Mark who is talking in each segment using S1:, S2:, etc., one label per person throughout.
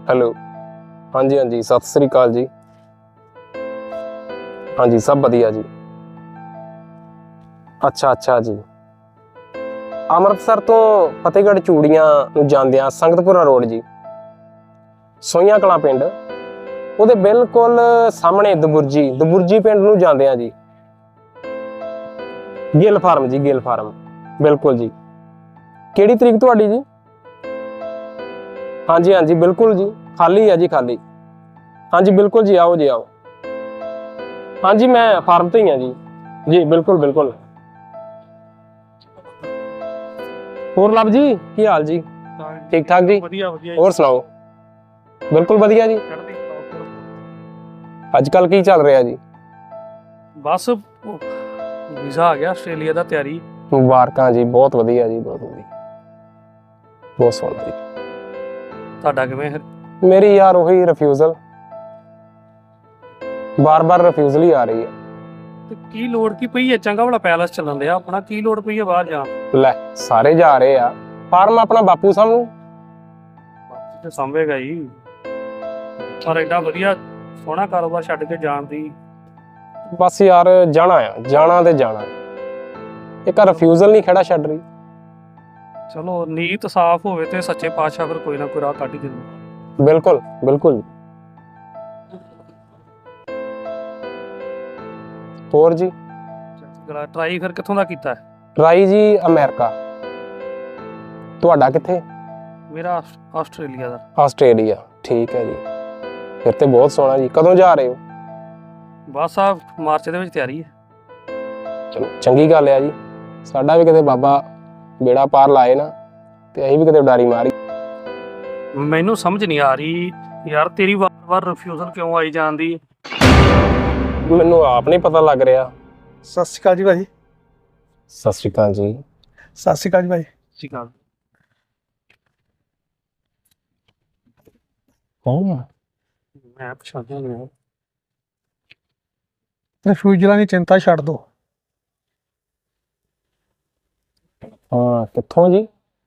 S1: Hello. हाँ जी, हाँ जी, सत श्री अकाल जी। हाँ जी, सब बढ़िया जी। अच्छा अच्छा जी। ਅੰਮ੍ਰਿਤਸਰ ਤੋਂ ਫਤਿਹਗੜ੍ਹ ਚੂੜੀਆਂ ਨੂੰ ਜਾਂਦਿਆਂ ਸੰਗਤਪੁਰਾ ਰੋਡ ਜੀ, ਸੋਈਆਂ ਕਲਾਂ ਪਿੰਡ, ਉਹਦੇ ਬਿਲਕੁਲ ਸਾਹਮਣੇ ਦਬੁਰਜੀ ਪਿੰਡ ਨੂੰ ਜਾਂਦਿਆਂ ਜੀ, ਗਿੱਲ ਫਾਰਮ ਜੀ, ਗਿੱਲ ਫਾਰਮ, ਬਿਲकुल ਜੀ। ਕਿਹੜੀ ਤਰੀਕ ਤੁਹਾਡੀ ਜੀ? हाँ जी, हाँ जी, बिल्कुल जी, खाली है जी, खाली। हाँ जी, बिल्कुल जी, आओ जी, आओ। हाँ जी, मैं फार्म तो ही हाँ जी, बिल्कुल बिल्कुल। होर लव जी, की हाल जी? ठीक ठाक जी, होर सुनाओ? बिल्कुल वधिया जी। अजकल की चल रहा जी?
S2: बस वीज़ा आ गया आस्ट्रेलिया दा, तैयारी।
S1: मुबारकां जी, बहुत वधिया जी, बहुत वधिया, बहुत सोहना जी।
S2: ਤੁਹਾਡਾ ਕਿਵੇਂ ਹੈ?
S1: मेरी यार वही रिफ्यूजल, बार बार रिफ्यूजल ही आ रही है।
S2: ਤੇ ਕੀ ਲੋੜ ਕੀ ਪਈ ਹੈ? ਚੰਗਾ ਵਾਲਾ ਪੈਲਸ ਚੱਲਣ ਦਿਆ ਆਪਣਾ, ਕੀ ਲੋੜ ਪਈ ਹੈ ਬਾਹਰ ਜਾਣ?
S1: ਲੈ ਸਾਰੇ ਜਾ ਰਹੇ ਆ, ਫਾਰਮ ਆਪਣਾ ਬਾਪੂ ਸਾਹਮਣੇ
S2: ਤੇ ਸੰਭੇਗਾ ਹੀ, ਪਰ ਐਡਾ ਵਧੀਆ ਸੋਹਣਾ ਕਾਰੋਬਾਰ ਛੱਡ ਕੇ ਜਾਣ ਦੀ।
S1: ਬਸ ਯਾਰ ਜਾਣਾ ਆ, ਜਾਣਾ ਤੇ ਜਾਣਾ। ਇੱਕ ਰਿਫਿਊਜ਼ਲ ਨਹੀਂ ਖੜਾ ਛੱਡ ਰਹੀ।
S2: ਚਲੋ ਨੀਤ ਸਾਫ਼ ਹੋਵੇ ਤੇ ਸੱਚੇ ਪਾਤਸ਼ਾਹ ਫਿਰ ਕੋਈ ਨਾ ਕੋਈ ਰਾਹ ਕੱਢ ਹੀ ਦਿੰਦਾ।
S1: ਬਿਲਕੁਲ ਬਿਲਕੁਲ। ਹੋਰ ਜੀ?
S2: ਟਰਾਈ ਫਿਰ ਕਿੱਥੋਂ ਦਾ ਕੀਤਾ ਹੈ?
S1: ਟਰਾਈ ਜੀ ਅਮਰੀਕਾ। ਤੁਹਾਡਾ ਕਿੱਥੇ?
S2: ਮੇਰਾ ਆਸਟ੍ਰੇਲੀਆ ਦਾ।
S1: ਆਸਟ੍ਰੇਲੀਆ, ਠੀਕ ਹੈ ਜੀ, ਫਿਰ ਤੇ ਬਹੁਤ ਸੋਹਣਾ ਜੀ। ਕਦੋਂ ਜਾ ਰਹੇ ਹੋ?
S2: ਬਸ ਆ ਮਾਰਚ ਦੇ ਵਿੱਚ ਤਿਆਰੀ ਹੈ।
S1: ਚਲੋ ਚੰਗੀ ਗੱਲ ਆ ਜੀ, ਸਾਡਾ ਵੀ ਕਿਤੇ ਬਾਬਾ ਬੇੜਾ ਪਾਰ ਲਾਏ ਨਾ ਤੇ ਅਸੀਂ ਵੀ ਕਿਤੇ ਉਡਾਰੀ ਮਾਰੀ।
S2: ਮੈਨੂੰ ਸਮਝ ਨਹੀਂ ਆ ਰਹੀ ਯਾਰ, ਤੇਰੀ ਵਾਰ-ਵਾਰ ਰਿਫਿਊਜ਼ਲ ਕਿਉਂ ਆਈ ਜਾਂਦੀ?
S1: ਮੈਨੂੰ ਆਪ ਨਹੀਂ ਪਤਾ ਲੱਗ ਰਿਹਾ।
S3: ਸਤਿ ਸ਼੍ਰੀ ਅਕਾਲ ਜੀ ਭਾਜੀ।
S1: ਸਤਿ ਸ਼੍ਰੀ ਅਕਾਲ ਜੀ।
S3: ਸਤਿ ਸ਼੍ਰੀ ਅਕਾਲ ਜੀ ਭਾਜੀ।
S2: ਸਿਕਾ
S1: ਕੌਣ?
S2: ਮੈਂ ਪਛਾਣਿਆ ਨਹੀਂ।
S3: ਰਿਫਿਊਜਲਾਂ ਦੀ ਚਿੰਤਾ ਛੱਡ ਦੋ।
S1: ਹਾਂ, ਕਿੱਥੋਂ ਜੀ?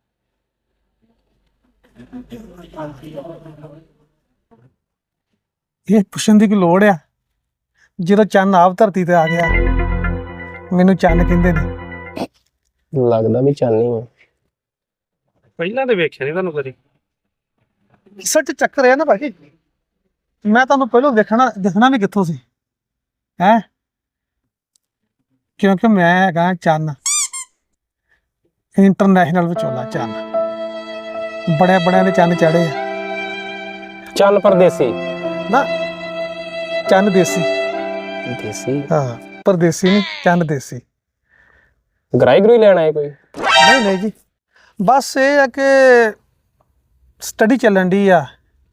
S3: ਇਹ ਪੁੱਛਣ ਦੀ ਕੀ ਲੋੜ ਆ, ਜਦੋਂ ਚੰਨ ਆਪ ਧਰਤੀ ਤੇ ਆ ਗਿਆ। ਮੈਨੂੰ ਚੰਨ ਕਹਿੰਦੇ ਨੇ।
S1: ਲੱਗਦਾ ਵੀ ਚਾਹਨੀ ਹੈ।
S2: ਪਹਿਲਾਂ ਤੇ ਵੇਖਿਆ ਨਹੀਂ ਤੁਹਾਨੂੰ ਕਦੀ।
S3: ਸੱਚ ਚੱਕਰ ਹੈ ਨਾ ਭਾਜੀ, ਮੈਂ ਤੁਹਾਨੂੰ ਪਹਿਲਾਂ ਦਿਖਣਾ ਵੀ ਕਿੱਥੋਂ ਸੀ ਹੈ, ਕਿਉਂਕਿ ਮੈਂ ਹੈਗਾ ਚੰਨ, ਇੰਟਰਨੈਸ਼ਨਲ ਵਿਚੋਲਾ ਚੰਨ। ਬੜਿਆਂ ਦੇ ਚੰਨ ਚੜੇ ਆ
S1: ਚੰਨ ਪਰਦੇਸੀ
S3: ਨਾ, ਚੰਨ ਦੇਸੀ।
S1: ਦੇਸੀ?
S3: ਹਾਂ, ਪਰਦੇਸੀ ਨਹੀਂ, ਚੰਨ ਦੇਸੀ।
S1: ਗਰਾਈ ਗਰੂਈ ਲੈਣ ਆਏ ਕੋਈ?
S3: ਨਹੀਂ ਜੀ, ਬਸ ਇਹ ਆ ਕਿ ਸਟੱਡੀ ਚੱਲਣ ਦੀ ਆ,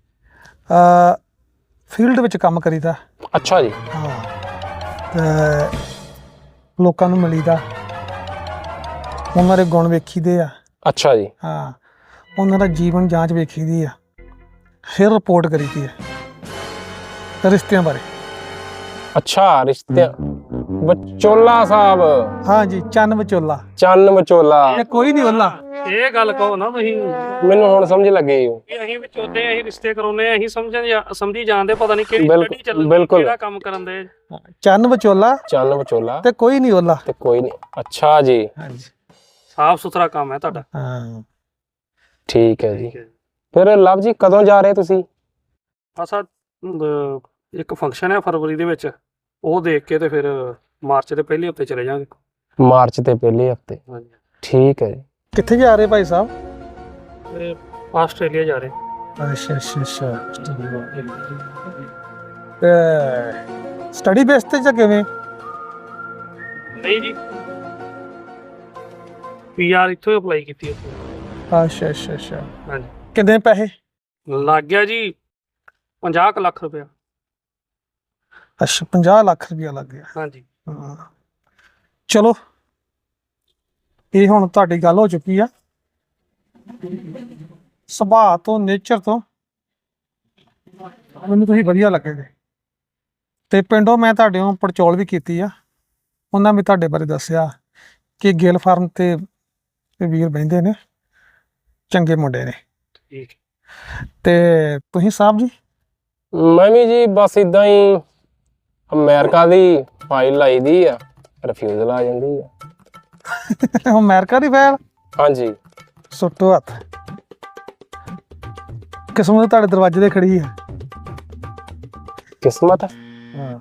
S3: ਫੀਲਡ ਵਿੱਚ ਕੰਮ ਕਰੀਦਾ।
S1: ਅੱਛਾ ਜੀ।
S3: ਹਾਂ, ਤੇ ਲੋਕਾਂ ਨੂੰ ਮਿਲੀਦਾ, ਉਹਨਾਂ ਦੇ ਗੁਣ ਵੇਖੀਦੇ ਆ।
S1: ਅੱਛਾ ਜੀ।
S3: ਹਾਂ, ਉਹਨਾਂ ਦਾ ਜੀਵਨ ਜਾਂਚ ਵੇਖੀਦੀ ਆ, ਫਿਰ ਰਿਪੋਰਟ ਕਰੀਦੀ ਆ ਰਿਸ਼ਤਿਆਂ ਬਾਰੇ।
S1: ਅੱਛਾ, ਰਿਸ਼ਤੇ ਵਿਚੋਲਾ ਸਾਹਿਬ।
S3: ਹਾਂ ਜੀ, ਚੰਨ ਵਿਚੋਲਾ।
S1: ਚੰਨ ਵਿਚੋਲਾ।
S3: ਇਹ ਕੋਈ ਨਹੀਂ ਉਹਲਾ।
S2: ਇਹ ਗੱਲ ਕਹੋ ਨਾ ਤੁਸੀਂ,
S1: ਮੈਨੂੰ ਹੁਣ ਸਮਝ ਲੱਗੇ
S2: ਅਸੀਂ ਵਿਚੋਲੇ, ਅਸੀਂ ਰਿਸ਼ਤੇ ਕਰਾਉਨੇ, ਅਸੀਂ ਸਮਝੀ ਜਾਂਦੇ ਪਤਾ ਨਹੀਂ ਕਿਹੜੀ
S1: ਬਿਲਕੁਲ,
S2: ਸਟੱਡੀ ਚੱਲਣ,
S1: ਬਿਲਕੁਲ।
S2: ਕਿਹੜਾ ਕੰਮ ਕਰਨ ਦੇ।
S3: ਚੰਨ ਵਿਚੋਲਾ
S1: ਚੰਨ ਵਿਚੋਲਾ
S3: ਤੇ ਕੋਈ ਨਹੀਂ ਉਹਲਾ।
S1: ਤੇ ਕੋਈ ਨਹੀਂ। ਅੱਛਾ ਜੀ।
S3: ਹਾਂਜੀ,
S2: ਸਾਫ਼ ਸੁਥਰਾ ਕੰਮ ਹੈ ਤੁਹਾਡਾ।
S3: ਹਾਂ
S1: ਠੀਕ ਹੈ ਜੀ। ਫਿਰ ਲਵ ਜੀ ਕਦੋਂ ਜਾ ਰਹੇ ਤੁਸੀਂ?
S2: ਅਸਾ ਇੱਕ ਫੰਕਸ਼ਨ ਹੈ ਫਰਵਰੀ ਦੇ ਵਿੱਚ, ਉਹ ਦੇਖ ਕੇ ਤੇ ਫਿਰ ਮਾਰਚ ਦੇ ਪਹਿਲੇ ਹਫਤੇ ਚਲੇ ਜਾਵਾਂਗੇ।
S1: ਮਾਰਚ ਦੇ ਪਹਿਲੇ ਹਫਤੇ?
S2: ਹਾਂਜੀ।
S1: ਠੀਕ ਹੈ ਜੀ।
S3: ਕਿੱਥੇ ਜਾ ਰਹੇ ਭਾਈ ਸਾਹਿਬ?
S2: ਤੇ ਆਸਟ੍ਰੇਲੀਆ ਜਾ ਰਹੇ।
S3: ਅੱਛਾ ਸਟੱਡੀ ਬੇਸ ਤੇ ਜਾਂ ਕਿਵੇਂ?
S2: ਨਹੀਂ ਜੀ, ਪੀਆਰ ਇੱਥੋਂ ਅਪਲਾਈ ਕੀਤੀ ਉੱਥੇ।
S3: ਅੱਛਾ
S2: ਹਾਂਜੀ।
S3: ਕਿੰਨੇ ਪੈਸੇ
S2: ਲੱਗ ਗਿਆ ਜੀ? 50 ਲੱਖ ਰੁਪਇਆ।
S3: ਅੱਛਾ, 50 ਲੱਖ ਰੁਪਇਆ ਲੱਗ ਗਿਆ।
S2: ਹਾਂਜੀ।
S3: ਹਾਂ, ਚਲੋ ਇਹ ਹੁਣ ਤੁਹਾਡੀ ਗੱਲ ਹੋ ਚੁੱਕੀ ਆ। ਸੁਭਾਅ ਤੋਂ, ਨੇਚਰ ਤੋਂ ਮੈਨੂੰ ਤੁਸੀਂ ਵਧੀਆ ਲੱਗੇ ਜੇ, ਤੇ ਪਿੰਡੋਂ ਮੈਂ ਤੁਹਾਡੇ ਨੂੰ ਪੜਚੋਲ ਵੀ ਕੀਤੀ ਆ। ਉਹਨਾਂ ਵੀ ਤੁਹਾਡੇ ਬਾਰੇ ਦੱਸਿਆ ਕਿ ਗਿੱਲ ਫਾਰਮ ਤੇ ਵੀਰ ਬਹਿੰਦੇ ਨੇ, ਚੰਗੇ ਮੁੰਡੇ ਨੇ।
S2: ਠੀਕ।
S3: ਤੇ ਤੁਸੀਂ ਸਾਹਿਬ ਜੀ?
S1: ਮੈਂ ਵੀ ਜੀ ਬਸ ਇਦਾਂ ਹੀ ਅਮਰੀਕਾ ਦੀ ਫਾਈਲ ਲਾਈ ਦੀ ਆ, ਰਿਫਿਊਜ਼ਲ ਆ ਜਾਂਦੀ ਆ।
S3: ਅਮਰੀਕਾ ਦੀ ਫਾਈਲ?
S1: ਹਾਂਜੀ।
S3: ਸੁੱਟੋ ਹੱਥ, ਕਿਸਮਤ ਤੁਹਾਡੇ ਦਰਵਾਜ਼ੇ ਤੇ ਖੜੀ ਹੈ।
S1: ਕਿਸਮਤ?
S3: ਹਾਂ,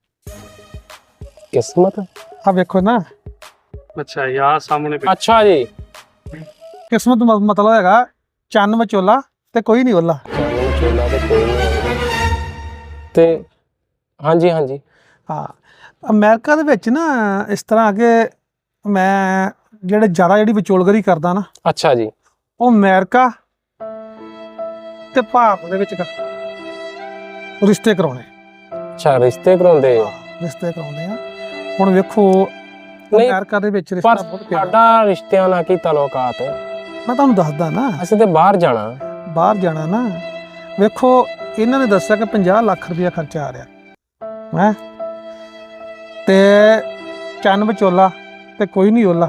S1: ਕਿਸਮਤ?
S3: ਆ ਵੇਖੋ ਨਾ,
S2: ਅੱਛਾ ਯਾਰ ਸਾਹਮਣੇ
S1: ਅੱਛਾ ਜੀ।
S3: ਕਿਸਮਤ ਦਾ ਮਤਲਬ ਹੈਗਾ ਚੰਨ ਵਿਚੋਲਾ ਤੇ ਕੋਈ ਨਹੀਂ ਓਲਾ।
S1: ਚੋਲਾ ਤੇ ਕੋਈ ਨਹੀਂ ਤੇ ਹਾਂਜੀ ਹਾਂਜੀ।
S3: ਹਾਂ, ਅਮਰੀਕਾ ਦੇ ਵਿੱਚ ਨਾ ਇਸ ਤਰ੍ਹਾਂ ਕਿ ਮੈਂ ਜਿਹੜੀ ਵਿਚੋਲਗਰੀ ਕਰਦਾ ਨਾ,
S1: ਅੱਛਾ ਜੀ।
S3: ਉਹ ਅਮਰੀਕਾ ਤੇ ਭਾਰਤ ਦੇ ਵਿੱਚ ਰਿਸ਼ਤੇ ਕਰਾਉਣੇ।
S1: ਅੱਛਾ, ਰਿਸ਼ਤੇ ਕਰਾਉਂਦੇ ਹੋ?
S3: ਰਿਸ਼ਤੇ ਕਰਾਉਂਦੇ ਆ। ਹੁਣ ਵੇਖੋ
S1: ਨਹੀਂ,
S3: ਅਮਰੀਕਾ ਦੇ ਵਿੱਚ ਰਿਸ਼ਤਾ
S1: ਪਰ
S3: ਬਹੁਤ ਪਿਆਰਾ।
S1: ਸਾਡਾ ਰਿਸ਼ਤਿਆਂ ਨਾਲ ਕੀ ਤਾਲੁਕਾਤ?
S3: ਮੈਂ ਤੁਹਾਨੂੰ ਦੱਸਦਾ ਨਾ,
S1: ਅਸੀਂ ਤੇ ਬਾਹਰ ਜਾਣਾ।
S3: ਬਾਹਰ ਜਾਣਾ ਨਾ, ਵੇਖੋ ਇਹਨਾਂ ਨੇ ਦੱਸਿਆ ਕਿ 50 ਲੱਖ ਰੁਪਇਆ ਖਰਚਾ ਆ ਰਿਹਾ ਹੈ, ਤੇ ਚੰਨ ਵਿਚੋਲਾ ਤੇ ਕੋਈ ਨਹੀਂ ਓਲਾ,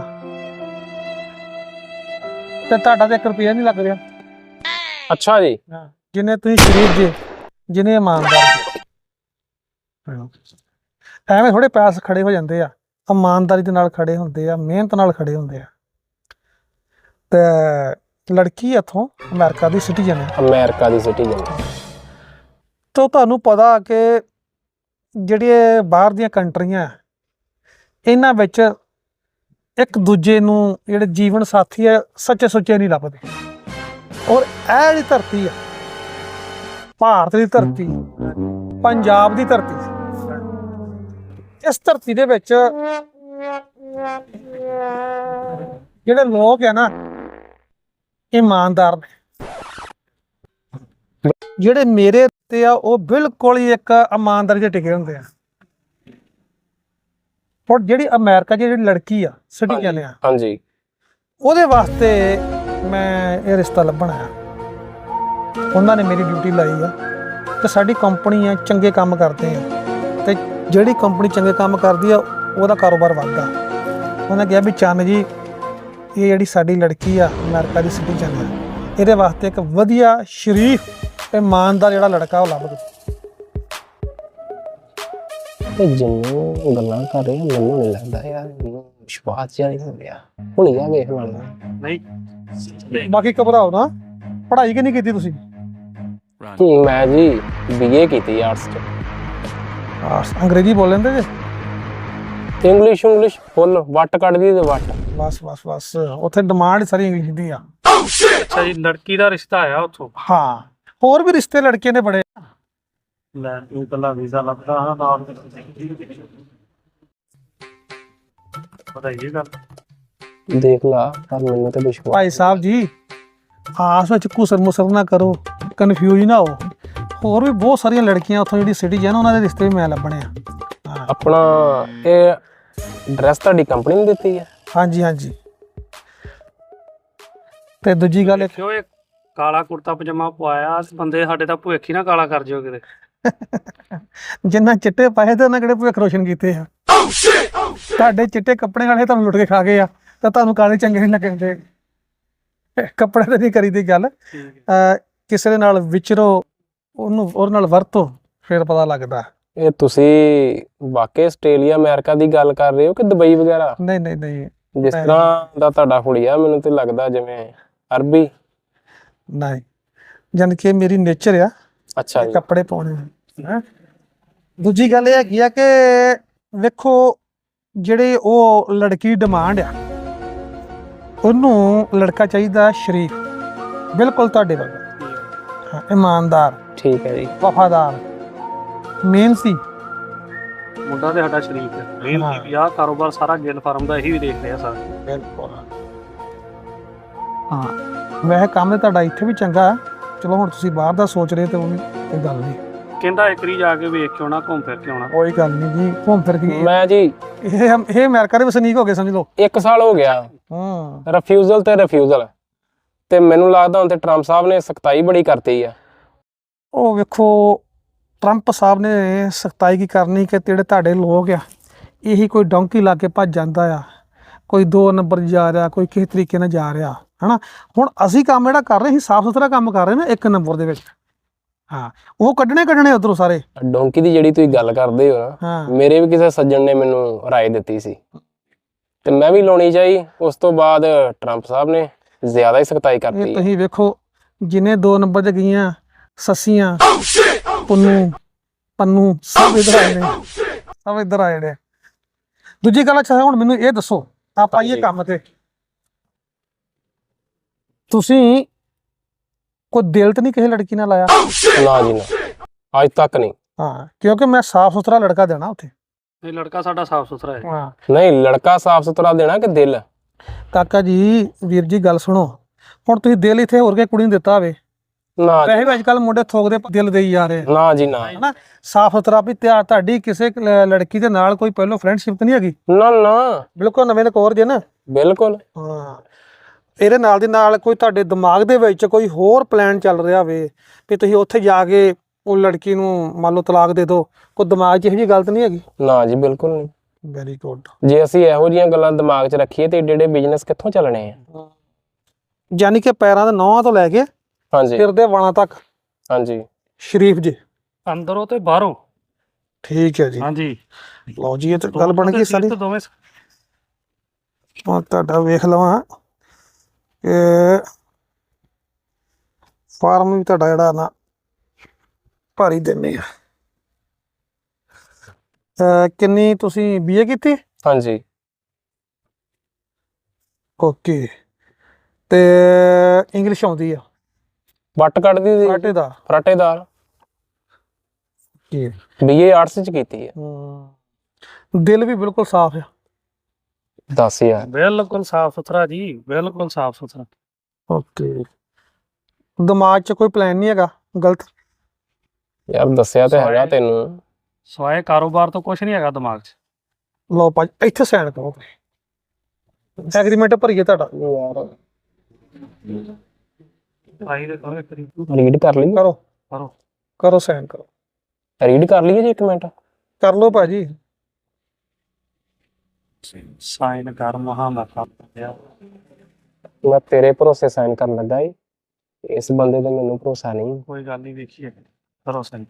S3: ਤੇ ਤੁਹਾਡਾ ਤੇ 1 ਰੁਪਇਆ ਨਹੀਂ ਲੱਗ ਰਿਹਾ।
S1: ਅੱਛਾ ਜੀ।
S3: ਜਿੰਨੇ ਤੁਸੀਂ ਸ਼ਰੀਫ ਜੇ, ਜਿੰਨੇ ਇਮਾਨਦਾਰ। ਐਵੇਂ ਥੋੜੇ ਪੈਸੇ ਖੜੇ ਹੋ ਜਾਂਦੇ ਆ, ਇਮਾਨਦਾਰੀ ਦੇ ਨਾਲ ਖੜੇ ਹੁੰਦੇ ਆ, ਮਿਹਨਤ ਨਾਲ ਖੜੇ ਹੁੰਦੇ ਆ। ਤੇ ਲੜਕੀ ਇੱਥੋਂ ਅਮਰੀਕਾ ਦੀ ਸਿਟੀਜ਼ਨ ਹੈ।
S1: ਅਮਰੀਕਾ ਦੀ ਸਿਟੀਜ਼ਨ।
S3: ਤਾਂ ਤੁਹਾਨੂੰ ਪਤਾ ਕਿ ਜਿਹੜੀਆਂ ਬਾਹਰ ਦੀਆਂ ਕੰਟਰੀਆਂ, ਇਹਨਾਂ ਵਿੱਚ ਇੱਕ ਦੂਜੇ ਨੂੰ ਜਿਹੜੇ ਜੀਵਨ ਸਾਥੀ ਆ ਸੱਚੇ ਸੁੱਚੇ ਨਹੀਂ ਲੱਭਦੇ। ਔਰ ਇਹ ਜਿਹੜੀ ਧਰਤੀ ਆ, ਭਾਰਤ ਦੀ ਧਰਤੀ, ਪੰਜਾਬ ਦੀ ਧਰਤੀ, ਇਸ ਧਰਤੀ ਦੇ ਵਿੱਚ ਜਿਹੜੇ ਲੋਕ ਆ ਨਾ, ਇਮਾਨਦਾਰ ਨੇ। ਜਿਹੜੇ ਮੇਰੇ ਤੇ ਆ ਉਹ ਬਿਲਕੁਲ ਹੀ ਇੱਕ ਇਮਾਨਦਾਰੀ ਤੇ ਟਿਕੇ ਹੁੰਦੇ ਆ। ਔਰ ਜਿਹੜੀ ਅਮਰੀਕਾ ਦੀ ਜਿਹੜੀ ਲੜਕੀ ਆ, ਸਿਟੀਜ਼ਨ ਆ,
S1: ਹਾਂਜੀ,
S3: ਉਹਦੇ ਵਾਸਤੇ ਮੈਂ ਇਹ ਰਿਸ਼ਤਾ ਲੱਭਣ ਆਇਆ। ਉਹਨਾਂ ਨੇ ਮੇਰੀ ਡਿਊਟੀ ਲਾਈ ਆ ਤੇ ਸਾਡੀ ਕੰਪਨੀ ਆ, ਚੰਗੇ ਕੰਮ ਕਰਦੇ ਆ, ਤੇ ਜਿਹੜੀ ਕੰਪਨੀ ਚੰਗੇ ਕੰਮ ਕਰਦੀ ਆ ਉਹਦਾ ਕਾਰੋਬਾਰ ਵੱਧਦਾ। ਉਹਨੇ ਕਿਹਾ ਵੀ ਚੰਨ ਜੀ, ਇਹ ਜਿਹੜੀ ਸਾਡੀ ਲੜਕੀ ਆ ਅਮਰੀਕਾ ਦੀ ਸਿਟੀਜ਼ਨ ਆ, ਇਹਦੇ ਵਾਸਤੇ ਇੱਕ ਵਧੀਆ ਸ਼ਰੀਫ ਤੇ ਇਮਾਨਦਾਰ ਜਿਹੜਾ ਲੜਕਾ ਉਹ ਲੱਭ ਦਿਓ।
S1: ਤੇ ਜਿੰਨੂੰ ਗੱਲਾਂ ਕਰ ਰਹੇ ਮੈਨੂੰ ਨਹੀਂ ਲੱਗਦਾ ਯਾਰ, ਮੈਨੂੰ ਵਿਸ਼ਵਾਸ ਜਿਹਾ ਨਹੀਂ ਹੋ ਰਿਹਾ। ਹੁਣ ਇਹ ਵੇਖ ਲੈਣਾ।
S2: ਨਹੀਂ,
S3: ਬਾਕੀ ਘਬਰਾਓ ਨਾ। ਪੜ੍ਹਾਈ ਕਿੰਨੀ ਕੀਤੀ ਤੁਸੀਂ?
S1: ਮੈਂ ਜੀ BA ਕੀਤੀ ਆਰਟਸ ਚ।
S3: ਅੰਗਰੇਜ਼ੀ ਬੋਲ ਲੈਂਦੇ ਜੇ?
S1: ਇੰਗਲਿਸ਼ ਫੁੱਲ ਵੱਟ ਕੱਢਦੀ ਤੇ ਵੱਟ।
S3: ਬਸ ਉੱਥੇ ਡਿਮਾਂਡ ਸਾਰੀ ਇੰਗਲਿਸ਼ ਦੀ ਆ।
S2: ਅੱਛਾ ਜੀ, ਲੜਕੀ ਦਾ ਰਿਸ਼ਤਾ ਆਇਆ ਉੱਥੋਂ?
S3: ਹਾਂ, ਹੋਰ ਵੀ ਰਿਸ਼ਤੇ ਲੜਕੀਆਂ ਦੇ ਬੜੇ।
S2: ਲੈ ਤੂੰ ਕੱਲਾ ਵੀਜ਼ਾ ਲੱਭਦਾ ਹਾਂ ਨਾਲ ਪਤਾ ਹੀ ਗੱਲ।
S1: ਦੇਖ ਲਾ, ਪਰ ਮੈਨੂੰ ਤੇ ਵਿਸ਼ਵਾਸ।
S3: ਭਾਈ ਸਾਹਿਬ ਜੀ, ਆਸ ਵਿੱਚ ਘੁਸਰ ਮੁਸਰ ਨਾ ਕਰੋ, ਕਨਫਿਊਜ਼ ਨਾ ਹੋ। ਹੋਰ ਵੀ ਬਹੁਤ ਸਾਰੀਆਂ ਲੜਕੀਆਂ ਉੱਥੋਂ ਜਿਹੜੀ ਸਿਟੀਜ਼ਨ, ਉਹਨਾਂ ਦੇ ਰਿਸ਼ਤੇ ਵੀ ਮੈਂ ਲੱਭਣੇ ਆ।
S1: ਆਪਣਾ ਇਹ ਐਡਰੈਸ ਤੁਹਾਡੀ ਕੰਪਨੀ ਨੇ ਦਿੱਤੀ ਹੈ?
S3: ਹਾਂਜੀ। ਤੇ ਦੂਜੀ ਗੱਲ
S2: ਕਿਉਂ ਇਹ ਕਾਲਾ ਕੁੜਤਾ ਪਜਾਮਾ ਪਵਾਇਆ, ਬੰਦੇ ਸਾਡੇ ਦਾ ਭੁੱਖ ਹੀ ਨਾ ਕਾਲਾ ਕਰ ਜਿਓ ਕਿਤੇ।
S3: ਜਿੰਨਾ ਚਿੱਟੇ ਪਾਏ ਤੇ ਉਹਨਾਂ ਕਿਹੜੇ ਭੁੱਖ ਰੋਸ਼ਨ ਕੀਤੇ ਆ। ਤੁਹਾਡੇ ਚਿੱਟੇ ਕੱਪੜੇ ਵਾਲੇ ਤੁਹਾਨੂੰ ਲੁੱਟ ਕੇ ਖਾ ਗਏ ਆ, ਤਾਂ ਤੁਹਾਨੂੰ ਕਾਲੇ ਚੰਗੇ ਨਹੀਂ ਲੱਗਦੇ। ਕੱਪੜੇ ਤੇ ਨਹੀਂ ਕਰੀਦੀ ਗੱਲ। ਕਿਸੇ ਦੇ ਨਾਲ ਵਿਚਰੋ, ਉਹਦੇ ਨਾਲ ਵਰਤੋ, ਫਿਰ ਪਤਾ ਲੱਗਦਾ।
S1: ਇਹ ਤੁਸੀਂ ਵਾਕਈ ਆਸਟ੍ਰੇਲੀਆ ਅਮਰੀਕਾ ਦੀ ਗੱਲ ਕਰ ਰਹੇ ਹੋ ਕਿ ਦੁਬਈ ਵਗੈਰਾ?
S3: ਨਹੀਂ।
S1: ਜਿਸ ਤਰ੍ਹਾਂ ਦਾ ਤੁਹਾਡਾ ਹੁਲੀਆ, ਮੈਨੂੰ ਤੇ ਲੱਗਦਾ ਜਿਵੇਂ ਅਰਬੀ।
S3: ਨਹੀਂ, ਜਾਨ ਕਿ ਮੇਰੀ ਨੇਚਰ ਆ
S1: ਅੱਛਾ ਜੀ।
S3: ਕੱਪੜੇ ਪਾਉਣੇ ਹੈ। ਦੂਜੀ ਗੱਲ ਇਹ ਹੈਗੀ ਆ ਕਿ ਵੇਖੋ, ਜਿਹੜੇ ਉਹ ਲੜਕੀ ਡਿਮਾਂਡ ਆ, ਉਹਨੂੰ ਲੜਕਾ ਚਾਹੀਦਾ ਸ਼ਰੀਫ, ਬਿਲਕੁਲ ਤੁਹਾਡੇ ਵਰਗਾ। ਹਾਂ, ਇਮਾਨਦਾਰ,
S1: ਠੀਕ ਹੈ ਜੀ,
S3: ਵਫਾਦਾਰ, ਮਿਹਨਤੀ।
S2: ਮੁੰਡਾ ਤੇ ਸਾਡਾ ਸ਼ਰੀਕ ਹੈ, ਮਿਹਨਤੀ ਵੀ ਆ। ਕਾਰੋਬਾਰ ਸਾਰਾ ਗਿੱਲ ਫਾਰਮ ਦਾ ਇਹੀ ਵੀ ਦੇਖ ਰਿਹਾ ਸਰ।
S3: ਬਿਲਕੁਲ। ਹਾਂ, ਵੈਸੇ ਕੰਮ ਤੇ ਤੁਹਾਡਾ ਇੱਥੇ ਵੀ ਚੰਗਾ। ਚਲੋ ਹੁਣ ਤੁਸੀਂ ਬਾਹਰ ਦਾ ਸੋਚ ਰਹੇ ਤੇ ਉਹ ਵੀ ਕੋਈ ਗੱਲ ਨਹੀਂ।
S2: ਕਹਿੰਦਾ ਇੱਕ ਵਾਰੀ ਜਾ ਕੇ ਵੇਖ ਕੇ ਆਉਣਾ, ਘੁੰਮ ਫਿਰ ਕੇ ਆਉਣਾ।
S3: ਕੋਈ ਗੱਲ ਨਹੀਂ ਜੀ, ਘੁੰਮ ਫਿਰ ਕੇ।
S1: ਮੈਂ ਜੀ
S3: ਇਹ ਅਮਰੀਕਾ ਦੇ ਵਸਨੀਕ ਹੋ ਗਏ ਸਮਝ ਲਓ।
S1: 1 ਸਾਲ ਹੋ ਗਿਆ। ਰਿਫਿਊਜ਼ਲ ਤੇ ਮੈਨੂੰ ਲੱਗਦਾ ਹੁਣ ਤੇ ਟਰੰਪ ਸਾਹਿਬ ਨੇ ਸਖਤਾਈ ਬੜੀ ਕਰਤੀ ਆ।
S3: ਉਹ ਵੇਖੋ, ਟਰੰਪ ਸਾਹਿਬ ਨੇ ਸਖਤਾਈ ਕੀ ਕਰਨੀ ਕਿ ਜਿਹੜੇ ਤੁਹਾਡੇ ਲੋਕ ਆ, ਇਹੀ ਕੋਈ ਡੌਂਕੀ ਲਾ ਕੇ ਭੱਜ ਜਾਂਦਾ ਆ, ਕੋਈ 2 ਨੰਬਰ ਜਾ ਰਿਹਾ, ਕੋਈ ਕਿਸੇ ਤਰੀਕੇ ਨਾਲ ਜਾ ਰਿਹਾ ਹਨਾ। ਹੁਣ ਅਸੀਂ ਕੰਮ ਜਿਹੜਾ ਕਰ ਰਹੇ ਸੀ ਸਾਫ ਸੁਥਰਾ ਕੰਮ ਕਰ ਰਹੇ ਨੇ ਇੱਕ ਨੰਬਰ ਦੇ ਵਿੱਚ। ਹਾਂ ਉਹ ਕੱਢਣੇ ਉਧਰੋਂ ਸਾਰੇ।
S1: ਡੋਂਕੀ ਦੀ ਜਿਹੜੀ ਤੁਸੀਂ ਗੱਲ ਕਰਦੇ ਹੋ ਨਾ,
S3: ਹਾਂ
S1: ਮੇਰੇ ਵੀ ਕਿਸੇ ਸੱਜਣ ਨੇ ਮੈਨੂੰ ਰਾਏ ਦਿੱਤੀ ਸੀ ਤੇ ਮੈਂ ਵੀ ਲਾਉਣੀ ਚਾਹੀ। ਉਸ ਤੋਂ ਬਾਅਦ ਟਰੰਪ ਸਾਹਿਬ ਨੇ ਜ਼ਿਆਦਾ ਹੀ ਸਖਤਾਈ
S3: ਇਹ
S1: ਕਰਤੀ।
S3: ਤੁਸੀਂ ਵੇਖੋ ਜਿਨੇ 2 ਨੰਬਰ ਤੇ ਗਈਆਂ ਸੱਸੀਆਂ ਪੰਨੂ ਸਭ ਇਧਰ ਆਏ ਨੇ, ਸਭ ਇਧਰ ਆਏ ਨੇ। ਦੂਜੀ ਗੱਲ ਅੱਛਾ ਹੁਣ ਮੈਨੂੰ ਇਹ ਦੱਸੋ, ਆਪਾਂ ਇਹ ਕੰਮ ਤੇ ਤੁਸੀਂ ਕੋਈ ਦਿਲ ਤੇ ਨਹੀਂ ਕਿਸੇ ਲੜਕੀ ਨਾਲ ਲਾਇਆ?
S1: ਨਾ ਜੀ ਨਾ, ਅੱਜ ਤੱਕ ਨਹੀਂ।
S3: ਹਾਂ ਕਿਉਂਕਿ ਮੈਂ ਸਾਫ ਸੁਥਰਾ ਲੜਕਾ ਦੇਣਾ ਉੱਥੇ।
S2: ਇਹ ਲੜਕਾ ਸਾਡਾ ਸਾਫ ਸੁਥਰਾ ਹੈ।
S3: ਹਾਂ
S1: ਨਹੀਂ, ਲੜਕਾ ਸਾਫ ਸੁਥਰਾ ਦੇਣਾ ਕਿ ਦਿਲ?
S3: ਕਾਕਾ ਜੀ ਵੀਰ ਜੀ ਗੱਲ ਸੁਣੋ, ਹੁਣ ਤੁਸੀਂ ਦਿਲ ਇੱਥੇ ਹੋਰ ਕੇ ਕੁੜੀ ਨੂੰ ਦਿੱਤਾ ਹੋਵੇ,
S1: ਨਾ
S3: ਵੈਸੇ ਵੀ ਅੱਜ ਕੱਲ ਮੁੰਡੇ ਥੋਕਦੇ ਦਿਲ ਦੇਈ ਜਾ ਰਹੇ
S1: ਨਾ ਜੀ ਨਾ,
S3: ਹਨਾ। ਸਾਫ ਸੁਥਰਾ ਵੀ ਤੁਹਾਡੀ ਕਿਸੇ ਲੜਕੀ ਦੇ ਨਾਲ ਕੋਈ ਪਹਿਲੋਂ ਫਰੈਂਡਸ਼ਿਪ ਤਾਂ ਨਹੀਂ ਹੈਗੀ?
S1: ਨਾ ਨਾ,
S3: ਬਿਲਕੁਲ ਨਵੇਂ ਨਕੋਰ ਜੇ ਨਾ।
S1: ਬਿਲਕੁਲ।
S3: ਹਾਂ ਇਹਦੇ ਨਾਲ ਦੀ ਨਾਲ ਕੋਈ ਤੁਹਾਡੇ ਦਿਮਾਗ ਦੇ ਵਿੱਚ ਕੋਈ ਹੋਰ ਪਲਾਨ ਚੱਲ ਰਿਹਾ ਹੋਵੇ ਵੀ ਤੁਸੀਂ ਉੱਥੇ ਜਾ ਕੇ ਉਹ ਲੜਕੀ ਨੂੰ ਮੰਨ ਲਓ ਤਲਾਕ ਦੇ ਦਿਓ, ਕੋਈ ਦਿਮਾਗ 'ਚ ਇਹੋ ਜਿਹੀ ਗੱਲ ਤਾਂ ਨਹੀਂ ਹੈਗੀ?
S1: ਨਾ ਜੀ ਬਿਲਕੁਲ ਨਹੀਂ।
S3: Very good.
S1: ਜੇ ਅਸੀਂ ਇਹੋ ਜਿਹੀਆਂ ਗੱਲਾਂ ਦਿਮਾਗ 'ਚ ਰੱਖੀਏ ਤੇ ਏਡੇ ਏਡੇ ਬਿਜ਼ਨਸ ਕਿੱਥੋਂ ਚੱਲਣੇ ਆ?
S3: ਯਾਨੀ ਕਿ ਪੈਰਾਂ ਦੇ ਨੌਹਾਂ ਤੋਂ ਲੈ ਕੇ
S1: ਹਾਂਜੀ
S3: ਸਿਰ ਦੇ ਵਾਲਾਂ ਤੱਕ
S1: ਹਾਂਜੀ।
S3: ਸ਼ਰੀਫ ਜੀ।
S2: ਅੰਦਰੋਂ ਤੇ ਬਾਹਰੋਂ।
S3: ਠੀਕ ਹੈ ਜੀ।
S2: ਹਾਂਜੀ
S3: ਲਓ ਜੀ ਇਹ ਤਾਂ ਗੱਲ ਬਣ ਗਈ ਸਾਰੀ।
S2: ਦੋਵੇਂ
S3: ਹੁਣ ਤੁਹਾਡਾ ਵੇਖ ਲਵਾਂ ਕਿ ਫਾਰਮ ਵੀ ਤੁਹਾਡਾ ਜਿਹੜਾ ਨਾ ਭਾਰੀ ਦਿੰਨੇ ਆ। ਕਿੰਨੀ ਤੁਸੀਂ BA ਕੀਤੀ?
S1: ਹਾਂਜੀ।
S3: ਓਕੇ ਤੇ ਇੰਗਲਿਸ਼ ਆਉਂਦੀ ਆ?
S1: ਵੱਟ ਕੱਢਦੀ ਸੀ
S3: ਫਰਾਟੇ ਦਾ?
S1: ਫਰਾਟੇਦਾਰ।
S3: ਕੀ
S1: BA ਆਰਟਸ 'ਚ ਕੀਤੀ ਹੈ।
S3: ਦਿਲ ਵੀ ਬਿਲਕੁਲ ਸਾਫ਼ ਆ?
S1: ਦੱਸ ਯਾਰ।
S2: ਬਿਲਕੁਲ ਸਾਫ ਸੁਥਰਾ ਜੀ, ਬਿਲਕੁਲ ਸਾਫ ਸੁਥਰਾ।
S3: ਓਕੇ ਦਿਮਾਗ 'ਚ ਕੋਈ ਪਲਾਨ ਨਹੀਂ ਹੈਗਾ ਗਲਤ?
S1: ਯਾਰ ਦੱਸਿਆ ਤੇ ਹੈਗਾ ਤੈਨੂੰ।
S2: ਸਵਾਏ ਕਾਰੋਬਾਰ ਤੋਂ ਕੁਝ ਨਹੀਂ ਹੈਗਾ ਦਿਮਾਗ 'ਚ।
S3: ਲਓ ਭਾਜੀ ਇੱਥੇ ਸਾਈਨ ਕਰੋ, ਐਗਰੀਮੈਂਟ ਭਰੀਏ ਤੁਹਾਡਾ।
S1: ਯਾਰ
S2: ਆਈ ਦੇ ਕਰੋ ਇੱਕ ਵਾਰੀ।
S1: ਰੀਡ ਕਰ ਲਈ?
S3: ਕਰੋ
S2: ਕਰੋ
S3: ਕਰੋ ਸਾਈਨ ਕਰੋ।
S1: ਰੀਡ ਕਰ ਲਈਏ ਜੀ, ਇੱਕ ਮਿੰਟ।
S3: ਕਰ ਲਓ ਭਾਜੀ।
S2: ਸਾਈਨ ਕਰ ਮਹਾ ਮੈਂ ਕਰ ਦਿਆ।
S1: ਮੈਂ ਤੇਰੇ ਭਰੋਸੇ ਸਾਈਨ ਕਰਨ ਲੱਗਾ ਈ, ਇਸ ਬੰਦੇ ਤੇ ਮੈਨੂੰ ਭਰੋਸਾ ਨਹੀਂ।
S2: ਕੋਈ ਗੱਲ ਨਹੀਂ, ਵੇਖੀਏ ਕਰੋ ਸਾਈਨ।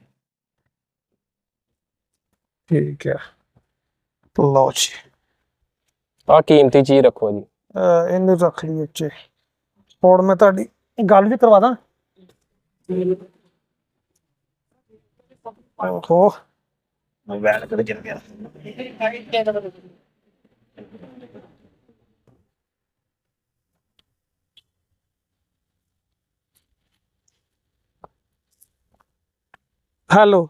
S3: ਠੀਕ ਹੈ ਲਓ ਜੀ
S1: ਆਹ ਕੀਮਤੀ ਚੀਜ਼ ਰੱਖੋ ਜੀ।
S3: ਇਹਨੂੰ ਰੱਖ ਲਈ ਉੱਚੇ। ਹੁਣ ਮੈਂ ਤੁਹਾਡੀ ਗੱਲ ਵੀ ਕਰਵਾ ਦਾਂ। ਓਹੋ ਮੋਬਾਈਲ ਕਿੱਥੇ ਚਲ ਗਿਆ? ਹੈਲੋ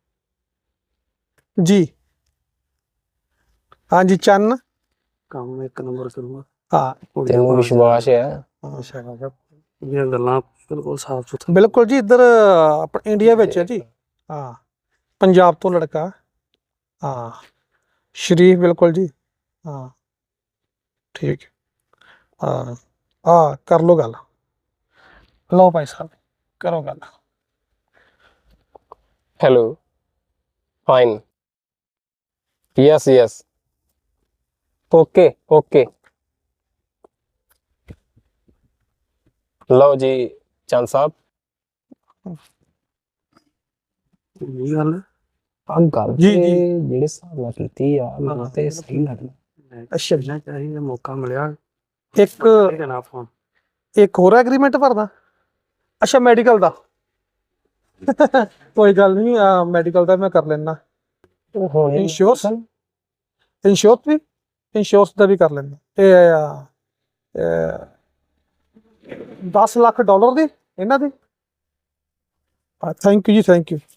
S3: ਜੀ। ਹਾਂਜੀ ਚੰਨ।
S2: ਕੰਮ ਇੱਕ ਨੰਬਰ ਕਰੂੰਗਾ।
S3: ਹਾਂ
S1: ਤੈਨੂੰ ਵਿਸ਼ਵਾਸ ਹੈ?
S2: ਇਹ ਗੱਲਾਂ ਬਿਲਕੁਲ ਸਾਫ ਸੁਥਰਾ।
S3: ਬਿਲਕੁਲ ਜੀ ਇੱਧਰ ਆਪਣੇ ਇੰਡੀਆ ਵਿੱਚ ਹੈ ਜੀ। ਹਾਂ ਪੰਜਾਬ ਤੋਂ ਲੜਕਾ। ਹਾਂ ਸ਼ਰੀਫ ਬਿਲਕੁਲ ਜੀ। ਹਾਂ ਠੀਕ ਹਾਂ ਕਰ ਲਓ ਗੱਲ। ਲਓ ਭਾਈ ਸਾਹਿਬ ਕਰੋ ਗੱਲ।
S1: Hello. Fine. Yes, yes. Okay, okay. ਲਓ ਜੀ ਚੰਦ ਸਾਹਿਬ।
S2: ਇਹ ਗੱਲ
S1: ਆ ਗੱਲ
S3: ਜੀ,
S1: ਤੇ
S3: ਜੀ।
S1: ਜਿਹੜੇ ਹਿਸਾਬ ਨਾਲ ਕੀਤੀ ਆ ਮੈਨੂੰ ਤੇ ਸਹੀ ਲੱਗਦਾ।
S3: ਅੱਛਾ
S2: ਨਾ ਚਾਹੀਦਾ ਮੌਕਾ ਮਿਲਿਆ।
S3: ਇੱਕ
S2: ਇਹਦਾ ਨਾ ਫੋਨ।
S3: ਇੱਕ ਹੋਰ ਐਗਰੀਮੈਂਟ ਭਰਦਾ? ਅੱਛਾ ਮੈਡੀਕਲ ਦਾ? ਕੋਈ ਗੱਲ ਨਹੀਂ ਮੈਡੀਕਲ ਦਾ ਮੈਂ ਕਰ ਲੈਣਾ।
S1: ਉਹ ਹੋਣੇ
S3: ਇੰਸ਼ੋਰੈਂਸ ਵੀ ਇੰਸ਼ੋਰੈਂਸ ਦਾ ਵੀ ਕਰ ਲੈਣਾ। ਇਹ 10 ਲੱਖ ਡਾਲਰ ਦੀ ਇਹਨਾਂ ਦੀ। ਥੈਂਕ ਯੂ ਜੀ ਥੈਂਕ ਯੂ।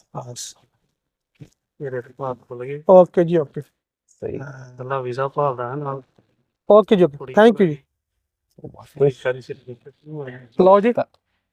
S2: ਮੇਰੇ ਤੇ ਬਾਤ ਭੁੱਲ ਗਈ।
S3: ਓਕੇ ਜੀ ਓਕੇ।
S1: ਸਹੀ।
S2: ਕੱਲਾ ਵੀਜ਼ਾ ਭਾਲਦਾ ਹੈ ਨਾਲ।
S3: ਓਕੇ ਜੀ ਥੈਂਕ ਯੂ ਜੀ।
S2: ਕੋਈ ਸਾਰੀ ਸਿਰ।
S3: ਲਓ ਜੀ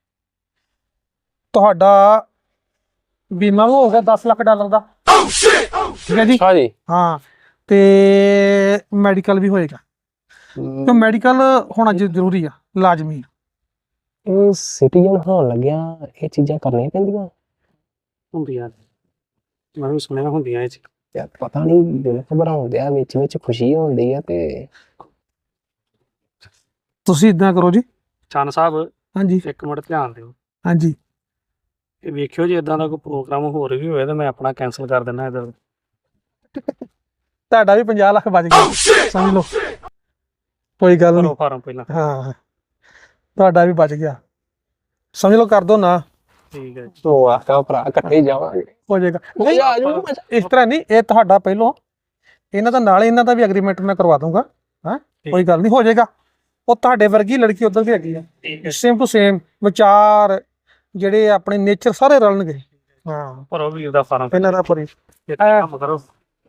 S3: ਤੁਹਾਡਾ ਬੀਮਾ ਵੀ ਹੋ ਗਿਆ 10 ਲੱਖ ਡਾਲਰ ਦਾ। ਠੀਕ ਹੈ ਜੀ।
S1: ਅੱਛਾ ਜੀ।
S3: ਹਾਂ ਤੇ ਮੈਡੀਕਲ ਵੀ ਹੋਏਗਾ ਕਿਉਂ ਮੈਡੀਕਲ ਹੋਣਾ ਜ਼ਰੂਰੀ ਆ ਲਾਜ਼ਮੀ।
S1: ਇਹ ਸਿਟੀਜ਼ਨ ਹੋਣ ਲੱਗਿਆ ਇਹ ਚੀਜ਼ਾਂ ਕਰਨੀਆਂ ਪੈਂਦੀਆਂ
S2: ਹੁੰਦੀਆਂ। ਮੈਂ ਵੀ ਸੁਣਿਆ ਹੁੰਦੀਆਂ ਇਹ ਚ।
S1: ਯਾਰ ਪਤਾ ਨਹੀਂ ਦਿਲ ਘਬਰਾਉਣ ਡਿਆ, ਵਿੱਚ ਖੁਸ਼ੀ ਹੁੰਦੀ ਆ ਤੇ
S3: ਤੁਸੀਂ ਇਦਾਂ ਕਰੋ ਜੀ।
S2: ਚੰਨ ਸਾਹਿਬ
S3: ਹਾਂਜੀ
S2: ਇੱਕ ਮਿੰਟ ਧਿਆਨ ਦਿਓ,
S3: ਹਾਂਜੀ
S2: ਇਹ ਵੇਖਿਓ ਜੇ ਇਦਾਂ ਦਾ ਕੋਈ ਪ੍ਰੋਗਰਾਮ ਹੋਰ ਵੀ ਹੋਇਆ ਤਾਂ ਮੈਂ ਆਪਣਾ ਕੈਂਸਲ ਕਰ ਦਿੰਦਾ ਇੱਧਰ।
S3: ਤੁਹਾਡਾ ਵੀ 50 ਲੱਖ ਬਚ ਗਿਆ ਸਮਝ ਲਓ, ਕੋਈ ਗੱਲ ਨਹੀਂ।
S2: ਭਰੋ ਫਾਰਮ ਪਹਿਲਾਂ।
S3: ਹਾਂ ਤੁਹਾਡਾ ਵੀ ਬਚ ਗਿਆ ਸਮਝ ਲਓ, ਕਰ ਦੋ ਨਾ,
S2: ਠੀਕ ਹੈ ਜੀ।
S1: ਉਹ ਆਖਾ ਭਰਾ ਇਕੱਠੇ ਹੀ ਜਾਵਾਂਗੇ।
S3: ਹੋ ਜਾਏਗਾ। ਨਹੀਂ ਇਸ ਤਰ੍ਹਾਂ ਨਹੀਂ, ਇਹ ਤੁਹਾਡਾ ਪਹਿਲੋਂ, ਇਹਨਾਂ ਦਾ ਨਾਲ ਇਹਨਾਂ ਦਾ ਵੀ ਐਗਰੀਮੈਂਟ ਮੈਂ ਕਰਵਾ ਦੂੰਗਾ। ਹਾਂ ਕੋਈ ਗੱਲ ਨਹੀਂ, ਹੋ ਜਾਏਗਾ। ਉਹ ਤੁਹਾਡੇ ਵਰਗੀ ਲੜਕੀ ਉਧਰ ਵੀ ਹੈਗੀ ਆ, ਸੇਮ ਟੂ ਸੇਮ ਵਿਚਾਰ ਜਿਹੜੇ ਆਪਣੇ ਨੇਚਰ ਸਾਰੇ ਰਲਣਗੇ। ਹਾਂ
S2: ਭਰੋ ਵੀਰ ਦਾ ਫਾਰਮ।
S3: ਇਹਨਾਂ ਦਾ ਪਰੀ
S2: ਇੱਕ ਕੰਮ ਕਰੋ,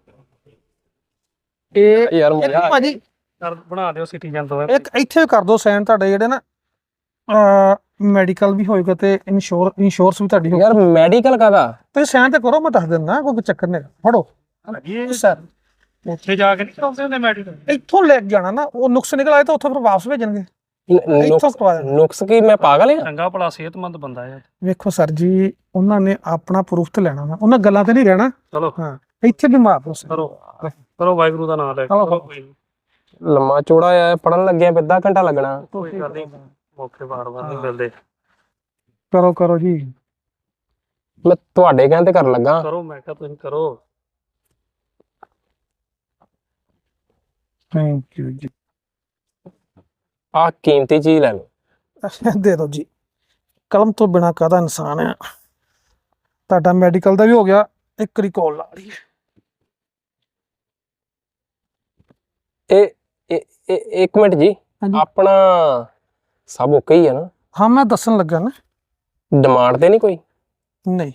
S3: ਇਹ
S1: ਯਾਰ
S3: ਇੱਕ
S1: ਮਜ਼ਾ
S3: ਭਾਜੀ
S2: ਬਣਾ ਦਿਓ ਸਿਟੀਜ਼ਨ ਤੋਂ।
S3: ਇੱਕ ਇੱਥੇ ਕਰ ਦੋ ਸਾਈਨ, ਤੁਹਾਡੇ ਜਿਹੜੇ ਨਾ ਮੈਡੀਕਲ ਵੀ ਹੋਏਗਾ ਤੇ ਇੰਸ਼ੋਰੈਂਸ ਵੀ ਤੁਹਾਡੀ ਹੋਏਗੀ।
S1: ਯਾਰ ਮੈਡੀਕਲ ਕਾਦਾ?
S3: ਤੁਸੀਂ ਸਾਈਨ ਤੇ ਕਰੋ, ਮੈਂ ਦੱਸ ਦਿੰਦਾ, ਕੋਈ ਚੱਕਰ ਨਹੀਂ। ਫੜੋ
S2: ਇਹ
S3: ਸਰ,
S2: ਉੱਥੇ ਜਾ ਕੇ ਨਹੀਂ ਕਰਾਉਂਦੇ ਹੁੰਦੇ ਮੈਡੀਕਲ?
S3: ਇੱਥੋਂ ਲੈ ਕੇ ਜਾਣਾ ਨਾ, ਉਹ ਨੁਕਸ ਨਿਕਲ ਆਏ ਤਾਂ ਉੱਥੇ ਫਿਰ ਵਾਪਸ ਭੇਜਣਗੇ। ਇੱਥੋਂ ਕਰਵਾ ਦੇਣਾ।
S1: ਨੁਕਸ ਕੀ ਮੈਂ ਪਾਗਲ ਆ?
S2: ਚੰਗਾ ਭਲਾ ਸਿਹਤਮੰਦ ਬੰਦਾ ਹੈ।
S3: ਵੇਖੋ ਸਰ ਜੀ, ਉਹਨਾਂ ਨੇ ਆਪਣਾ ਪ੍ਰੂਫ ਤੇ ਲੈਣਾ ਵਾ, ਉਹਨਾਂ ਗੱਲਾਂ ਤੇ ਨਹੀਂ ਰਹਿਣਾ।
S2: ਚਲੋ
S3: ਹਾਂ ਇੱਥੇ ਵੀ ਮਾਰ ਦੋ
S2: ਕਰੋ ਕਰੋ, ਵਾਹਿਗੁਰੂ ਦਾ ਨਾਮ ਲੈ ਕੇ।
S3: ਚਲੋ।
S2: ਕੋਈ ਨੀ,
S1: ਲੰਮਾ ਚੌੜਾ ਆ, ਪੜਨ ਲੱਗਿਆ ਅੱਧਾ ਘੰਟਾ ਲੱਗਣਾ।
S2: ਕੋਈ ਗੱਲ ਨਹੀਂ, ਮੌਕੇ ਵਾਰ-ਵਾਰ ਨਹੀਂ ਮਿਲਦੇ।
S3: ਕਰੋ ਕਰੋ ਜੀ।
S1: ਮੈਂ ਤੁਹਾਡੇ ਕਹਿੰਦੇ ਕਰਨ ਲੱਗਾ।
S2: ਕਰੋ, ਮੈਂ ਕਿਹਾ ਤੁਸੀਂ ਕਰੋ।
S3: ਥੈਂਕ ਯੂ ਜੀ।
S1: ਆਹ ਕੀਮਤੀ ਚੀਜ਼ ਲੈ ਲਓ।
S3: ਦੇ ਦਿਓ ਜੀ, ਕਲਮ ਤੋਂ ਬਿਨਾ ਕਾਹਦਾ ਇਨਸਾਨ ਹੈ। ਤੁਹਾਡਾ ਮੈਡੀਕਲ ਦਾ ਵੀ ਹੋ ਗਿਆ, ਇੱਕ ਰਿਕਾਲ ਲਾ ਲਈ।
S1: ਇੱਕ ਮਿੰਟ ਜੀ,
S3: ਹਾਂਜੀ।
S1: ਆਪਣਾ ਸਭ ਓਕੇ ਹੀ ਆ ਨਾ?
S3: ਹਾਂ ਮੈਂ ਦੱਸਣ ਲੱਗਾ ਨਾ।
S1: ਡਿਮਾਂਡ ਤੇ ਨਹੀਂ ਕੋਈ?
S3: ਨਹੀਂ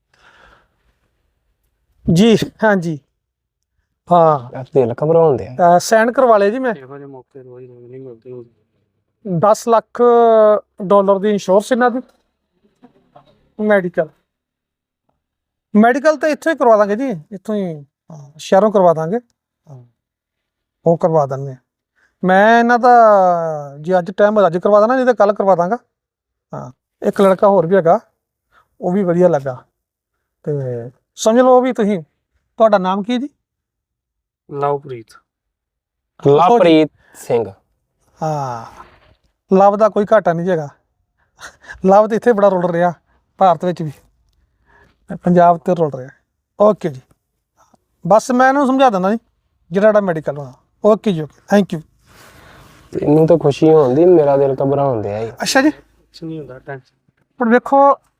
S3: ਜੀ, ਹਾਂਜੀ ਹਾਂ,
S1: ਯਾਰ ਦਿਲ ਘਬਰਾਉਂਦੇ ਆ।
S3: ਸਾਈਨ ਕਰਵਾ ਲਿਆ ਜੀ ਮੈਂ।
S2: ਇਹੋ ਜਿਹੇ ਮੌਕੇ ਰੋਜ਼ ਰੋਜ਼ ਨਹੀਂ ਮਿਲਦੇ।
S3: 10 ਲੱਖ ਡਾਲਰ ਦੀ ਇੰਸ਼ੋਰੈਂਸ ਇਹਨਾਂ ਦੀ। ਮੈਡੀਕਲ ਤਾਂ ਇੱਥੋਂ ਹੀ ਕਰਵਾ ਦਾਂਗੇ ਜੀ, ਇੱਥੋਂ ਹੀ ਸ਼ਹਿਰੋਂ ਕਰਵਾ ਦਾਂਗੇ। ਉਹ ਕਰਵਾ ਦਿੰਦੇ ਆ। ਮੈਂ ਇਹਨਾਂ ਦਾ ਜੇ ਅੱਜ ਟਾਈਮ ਅੱਜ ਕਰਵਾ ਦੇਣਾ, ਨਹੀਂ ਤਾਂ ਕੱਲ ਕਰਵਾ ਦਾਂਗਾ। ਹਾਂ ਇੱਕ ਲੜਕਾ ਹੋਰ ਵੀ ਹੈਗਾ, ਉਹ ਵੀ ਵਧੀਆ ਲੱਗਾ, ਤੇ ਸਮਝ ਲਓ ਵੀ ਤੁਸੀਂ। ਤੁਹਾਡਾ ਨਾਮ ਕੀ ਹੈ ਜੀ?
S2: ਲਵਪ੍ਰੀਤ।
S1: ਲਵਪ੍ਰੀਤ ਸਿੰਘ।
S3: ਹਾਂ ਲਵ ਦਾ ਕੋਈ ਘਾਟਾ ਨਹੀਂ ਹੈਗਾ। ਲਵ ਤੇ ਇੱਥੇ ਬੜਾ ਰੁਲ ਰਿਹਾ, ਭਾਰਤ ਵਿੱਚ ਵੀ, ਪੰਜਾਬ ਤੇ ਰੁਲ ਰਿਹਾ। ਓਕੇ ਜੀ, ਬਸ ਮੈਂ ਇਹਨੂੰ ਸਮਝਾ ਦਿੰਦਾ ਜੀ ਜਿਹੜਾ ਮੈਡੀਕਲ ਹੋਣਾ। ਓਕੇ ਜੀ, ਓਕੇ, ਥੈਂਕ ਯੂ।
S1: ਇਹਨੂੰ ਤਾਂ ਖੁਸ਼ੀ ਹੁੰਦੀ, ਮੇਰਾ ਦਿਲ ਘਬਰਾਉਂਦੇ ਆ।
S3: ਅੱਛਾ ਜੀ,
S2: ਕੁਛ ਨਹੀਂ ਹੁੰਦਾ, ਟੈਨਸ਼ਨ।
S3: ਪਰ ਵੇਖੋ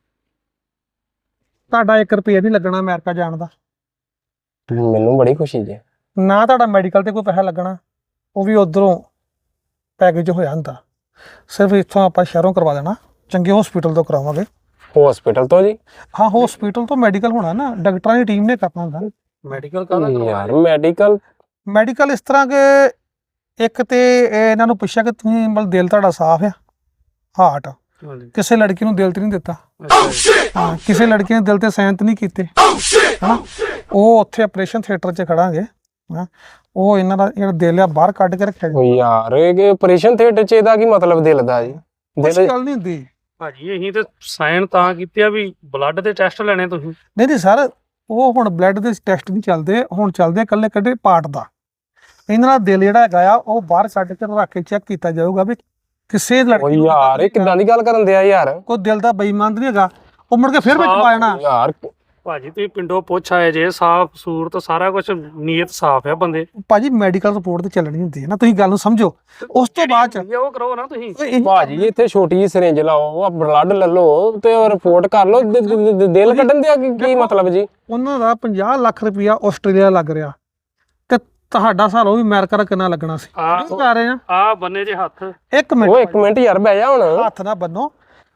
S3: ਤੁਹਾਡਾ 1 ਰੁਪਿਆ ਨਹੀਂ ਲੱਗਣਾ ਅਮਰੀਕਾ ਜਾਣ ਦਾ।
S1: ਮੈਨੂੰ ਬੜੀ ਖੁਸ਼ੀ ਜੀ।
S3: ਨਾ ਤੁਹਾਡਾ ਮੈਡੀਕਲ ਤੇ ਕੋਈ ਪੈਸਾ ਲੱਗਣਾ, ਉਹ ਵੀ ਉਧਰੋਂ ਪੈਕੇਜ ਹੋਇਆ ਹੁੰਦਾ। ਸਿਰਫ ਇੱਥੋਂ ਆਪਾਂ ਸ਼ਹਿਰੋਂ ਕਰਵਾ ਦੇਣਾ, ਚੰਗੇ ਹਸਪੀਟਲ ਤੋਂ ਕਰਾਵਾਂਗੇ।
S1: ਹਸਪੀਟਲ ਤੋਂ ਜੀ?
S3: ਹਾਂ ਹਸਪੀਟਲ ਤੋਂ ਮੈਡੀਕਲ ਹੋਣਾ ਨਾ, ਡਾਕਟਰਾਂ ਦੀ ਟੀਮ ਨੇ ਕਰਨਾ ਹੁੰਦਾ।
S2: ਮੈਡੀਕਲ ਕਾਹਦਾ
S1: ਯਾਰ ਮੈਡੀਕਲ
S3: ਇਸ ਤਰ੍ਹਾਂ ਕਿ ਇੱਕ ਤੇ ਇਹਨਾਂ ਨੂੰ ਪੁੱਛਿਆ ਕਿ ਤੁਸੀਂ ਮਤਲਬ ਦਿਲ ਤੁਹਾਡਾ ਸਾਫ਼ ਆ, ਹਾਰਟ
S2: ਹਾਂਜੀ।
S3: ਕਿਸੇ ਲੜਕੀ ਨੂੰ ਦਿਲ ਤੇ ਨਹੀਂ ਦਿੱਤਾ।
S2: ਅੱਛਾ ਜੀ।
S3: ਹਾਂ ਕਿਸੇ ਲੜਕੀ ਨੇ ਦਿਲ ਤੇ ਸਾਈਨ ਨਹੀਂ ਕੀਤੇ, ਹਨਾ, ਉਹ ਉੱਥੇ ਆਪਰੇਸ਼ਨ ਥੀਏਟਰ 'ਚ ਖੜਾਂਗੇ। ਹਾਂ ਉਹ ਇਹਨਾਂ ਦਾ ਜਿਹੜਾ ਦਿਲ ਆ ਬਾਹਰ ਕੱਢ ਕੇ ਰੱਖਿਆ ਜੀ।
S1: ਯਾਰ ਇਹ ਆਪਰੇਸ਼ਨ ਥੀਏਟਰ 'ਚ ਇਹਦਾ ਕੀ ਮਤਲਬ ਦਿਲ ਦਾ ਜੀ?
S3: ਕੁਛ
S1: ਦਿਲ
S3: ਗੱਲ ਨਹੀਂ ਹੁੰਦੀ।
S2: ਭਾਜੀ ਅਸੀਂ ਤੇ ਸਾਈਨ ਤਾਂ ਕੀਤੇ ਆ ਵੀ ਬਲੱਡ ਦੇ ਟੈਸਟ ਲੈਣੇ ਤੁਸੀਂ।
S3: ਨਹੀਂ ਸਰ, ਉਹ ਹੁਣ ਬਲੱਡ ਦੇ ਟੈਸਟ ਨਹੀਂ ਚੱਲਦੇ, ਹੁਣ ਚੱਲਦੇ ਆ ਇਕੱਲੇ ਕੱਢੇ ਪਾਰਟ ਦਾ। ਇਹਨਾਂ ਦਾ ਦਿਲ ਜਿਹੜਾ ਹੈਗਾ ਆ, ਉਹ ਬਾਹਰ ਕੱਢ ਕੇ ਰੱਖ ਕੇ ਚੈੱਕ ਕੀਤਾ ਜਾਊਗਾ ਵੀ ਕਿਸੇ ਲੜਕੀ ਨੂੰ
S1: ਯਾਰ ਇਹ ਕਿੱਦਾਂ ਦੀ ਗੱਲ ਕਰਨ ਦਿਆ ਯਾਰ?
S3: ਕੋਈ ਦਿਲ ਦਾ ਬੇਈਮਾਨ ਨਹੀਂ ਹੈਗਾ, ਉਹ ਮੁੜ ਕੇ ਫਿਰ ਵਿੱਚ ਪਾ ਜਾਣਾ।
S1: ਯਾਰ
S2: ਭਾਜੀ ਤੁਸੀਂ ਪਿੰਡੋਂ ਪੁੱਛ ਆਏ ਜੇ, ਸਾਫ ਸੂਰਤ ਸਾਰਾ ਕੁਝ, ਨੀਅਤ ਸਾਫ ਆ ਬੰਦੇ।
S3: ਭਾਜੀ ਮੈਡੀਕਲ ਰਿਪੋਰਟ ਤੇ ਚੱਲਣੀ ਹੁੰਦੀ ਹੈ ਨਾ, ਤੁਸੀਂ ਗੱਲ ਨੂੰ ਸਮਝੋ। ਉਸ ਤੋਂ ਬਾਅਦ ਚ
S2: ਉਹ ਕਰੋ ਨਾ ਤੁਸੀਂ।
S1: ਭਾਜੀ ਇੱਥੇ ਛੋਟੀ ਜਿਹੀ ਸਿਰਿੰਜ ਲਾਓ, ਬਲੱਡ ਲੈ ਲਓ ਤੇ ਰਿਪੋਰਟ ਕਰ ਲਓ। ਦਿਲ ਕੱਢਣ ਦਿਆ ਕੀ ਮਤਲਬ ਜੀ?
S3: ਉਹਨਾਂ ਦਾ 50 ਲੱਖ ਰੁਪਇਆ ਆਸਟ੍ਰੇਲੀਆ ਲੱਗ ਰਿਹਾ, ਤੇ ਤੁਹਾਡਾ ਸਾਲ ਉਹ ਵੀ ਅਮਰੀਕਾ ਦਾ ਕਿੰਨਾ ਲੱਗਣਾ ਸੀ? ਕਰ ਰਹੇ
S2: ਆ ਬੰਨੇ ਜੇ ਹੱਥ।
S3: ਇੱਕ ਮਿੰਟ,
S1: ਉਹ ਇੱਕ ਮਿੰਟ ਯਾਰ, ਬਹਿ ਜਾ ਹੁਣ।
S3: ਹੱਥ ਨਾ ਬੰਨੋ,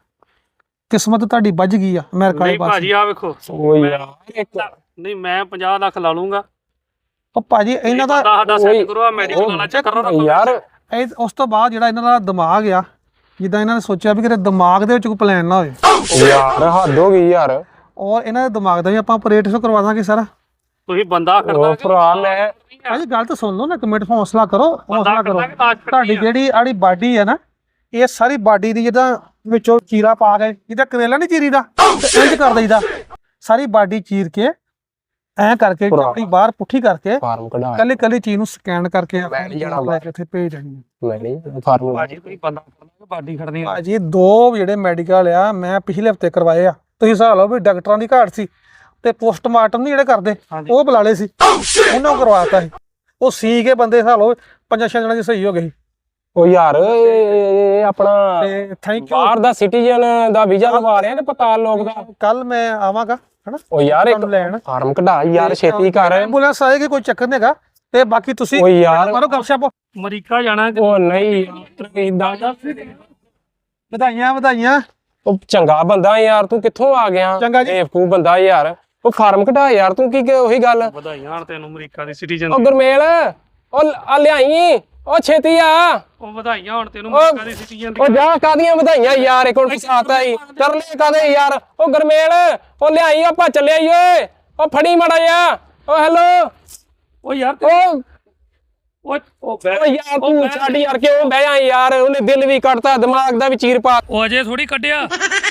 S3: ਕਿਸਮਤ ਤੁਹਾਡੀ ਵੱਜ ਗਈ ਆ ਅਮਰੀਕਾ ਵਾਲੇ
S2: ਨਹੀਂ
S3: ਪਾਸੇ।
S2: ਭਾਜੀ ਆ ਵੇਖੋ,
S1: ਉਹ ਯਾਰ
S2: ਨਹੀਂ ਮੈਂ 50 ਲੱਖ ਲਾ ਲੂੰਗਾ।
S3: ਉਹ ਭਾਜੀ ਇਹਨਾਂ ਦਾ
S2: ਸਾਡਾ ਸੈੱਟ ਕਰੋ, ਆ ਮੈਡੀਕਲ ਵਾਲਾ ਚੈੱਕ ਕਰੋ
S1: ਯਾਰ।
S3: ਉਸ ਤੋਂ ਬਾਅਦ ਜਿਹੜਾ ਇਹਨਾਂ ਦਾ ਦਿਮਾਗ ਆ, ਜਿੱਦਾਂ ਇਹਨਾਂ ਨੇ ਸੋਚਿਆ ਵੀ ਕਿਤੇ ਦਿਮਾਗ ਦੇ ਵਿੱਚ ਕੋਈ ਪਲਾਨ ਨਾ ਹੋਵੇ।
S1: ਯਾਰ ਹੱਦ ਹੋ ਗਈ ਯਾਰ।
S3: ਔਰ ਇਹਨਾਂ ਦੇ ਦਿਮਾਗ ਦਾ ਵੀ ਆਪਾਂ ਆਪਰੇਟ ਕਰਵਾ ਦਾਂਗੇ ਸਾਰਾ।
S2: ਤੁਸੀਂ ਬੰਦਾ ਕਰਦਾ
S1: ਭਰਾ ਮੈਂ
S3: ਭਾਜੀ ਗੱਲ ਤਾਂ ਸੁਣ ਲਓ ਨਾ, ਇੱਕ ਮਿੰਟ ਹੌਸਲਾ ਕਰੋ, ਹੌਸਲਾ ਕਰੋ।
S2: ਤੁਹਾਡੀ
S3: ਤੁਹਾਡੀ ਜਿਹੜੀ ਆੜੀ ਬਾਡੀ ਹੈ ਨਾ, ਇਹ ਸਾਰੀ ਬਾਡੀ ਦੀ ਜਿੱਦਾਂ ਵਿੱਚੋਂ ਚੀਰਾ ਪਾ ਕੇ, ਜਿੱਦਾਂ ਕਰੇਲਾ ਨਹੀਂ ਚੀਰੀਦਾ, ਤੇ ਇੰਜ ਕਰ ਦਈਦਾ। ਸਾਰੀ ਬਾਡੀ ਚੀਰ ਕੇ ਐ ਕਰਕੇ
S1: ਭਰਾ।
S3: ਆਪਣੀ ਬਾਹਰ ਪੁੱਠੀ ਕਰਕੇ
S1: ਫਾਰਮ ਕਢਾ
S3: ਕੱਲੀ ਕੱਲੀ ਚੀਜ਼ ਨੂੰ ਸਕੈਨ ਕਰਕੇ
S1: ਮੈਂ ਨੀ ਜਾਣਾ
S3: ਲੈ ਕੇ ਇੱਥੇ ਭੇਜ ਦੇਣੀ
S1: ਮੈਂ ਨਹੀਂ ਫਾਰਮ
S2: ਬਾਜੀ ਕੋਈ ਬੰਦਾ ਫੜਨਾ ਬਾਡੀ ਖੜਨੀ ਆ।
S3: ਭਾਜੀ 2 ਜਿਹੜੇ ਮੈਡੀਕਲ ਆ ਮੈਂ ਪਿਛਲੇ ਹਫਤੇ ਕਰਵਾਏ ਆ, ਤੁਸੀਂ ਹਿਸਾਬ ਲਓ ਵੀ ਡਾਕਟਰਾਂ ਦੀ ਘਾਟ ਸੀ ਤੇ ਪੋਸਟਮਾਰਟਮ ਨਹੀਂ ਜਿਹੜੇ ਕਰਦੇ
S2: ਹਾਂਜੀ।
S3: ਉਹ ਬੁਲਾ ਲਏ ਸੀ, ਉਹਨਾਂ ਨੂੰ ਕਰਵਾਤਾ ਸੀ। ਉਹ ਸੀ ਕੇ ਬੰਦੇ ਹਿਸਾਬ ਲਓ 5-6 ਜਣਾਂ ਦੀ ਸਹੀ ਹੋ ਗਈ।
S1: ਉਹ ਯਾਰ ਇਹ ਆਪਣਾ
S3: ਤੇ ਥੈਂਕ ਯੂ।
S1: ਬਾਹਰ ਦਾ ਸਿਟੀਜ਼ਨ ਦਾ ਵੀਜ਼ਾ ਲਵਾ ਰਿਹਾ ਤੇ ਪਤਾਲ ਲੋਕ ਦਾ।
S3: ਕੱਲ ਮੈਂ ਆਵਾਂਗਾ ਹਨਾ
S1: ਉਹ ਯਾਰ ਇੱਕ
S3: ਤੁਹਾਨੂੰ ਲੈਣ।
S1: ਫਾਰਮ ਕਢਾ ਯਾਰ ਛੇਤੀ ਕਰ।
S3: ਐਂਬੂਲੈਂਸ ਆਏਗੀ, ਕੋਈ ਚੱਕਰ ਨਹੀਂ ਹੈਗਾ। ਤੇ ਬਾਕੀ ਤੁਸੀਂ
S1: ਉਹ ਯਾਰ
S3: ਮਾਰੋ ਗੱਪਸ਼ਪ।
S2: ਅਮਰੀਕਾ ਜਾਣਾ ਕਿ
S1: ਉਹ ਨਹੀਂ ਇਦਾਂ
S3: ਵਧਾਈਆਂ ਵਧਾਈਆਂ।
S1: ਉਹ ਚੰਗਾ ਬੰਦਾ ਯਾਰ ਤੂੰ ਕਿੱਥੋਂ ਆ ਗਿਆ?
S3: ਚੰਗਾ ਜੀ।
S1: ਬੇਵਕੂਫ ਬੰਦਾ ਯਾਰ। ਉਹ ਫਾਰਮ ਕਢਾ ਯਾਰ ਤੂੰ ਕੀ ਉਹੀ ਗੱਲ।
S2: ਵਧਾਈਆਂ ਹਣ ਤੈਨੂੰ ਅਮਰੀਕਾ ਦੀ ਸਿਟੀਜ਼ਨ
S1: ਉਹ ਗੁਰਮੇਲ ਉਹ ਆ ਲਿਆਈ ਉਹ ਛੇਤੀ ਆ।
S2: ਉਹ ਵਧਾਈਆਂ ਹੁਣ ਤੈਨੂੰ ਅਮਰੀਕਾ ਦੀ ਸਿਟੀਜ਼ਨ
S1: ਉਹ ਜਾ ਕਾਦੀਆਂ ਵਧਾਈਆਂ ਯਾਰ ਇੱਕ ਹੁਣ ਫਸਾਤਾ ਹੀ ਤਰਲੇ ਕਾਦੇ ਯਾਰ। ਉਹ ਗੁਰਮੇਲ ਉਹ ਲਿਆਈ ਆਪਾਂ ਚੱਲਿਆ ਈ ਓਏ। ਉਹ ਫੜੀ ਮੜਾ ਜਾ। ਉਹ ਹੈਲੋ
S2: ਉਹ ਯਾਰ
S1: ਉਹ
S2: ਉਹ
S1: ਯਾਰ ਤੂੰ ਛੱਡ ਯਾਰ ਕਿਉਂ ਬਹਿ ਜਾ ਯਾਰ। ਉਹਨੇ ਦਿਲ ਵੀ ਕੱਟਤਾ ਦਿਮਾਗ ਦਾ ਵੀ ਚੀਰ ਪਾ।
S2: ਉਹ ਅਜੇ ਥੋੜੀ ਕੱਢਿਆ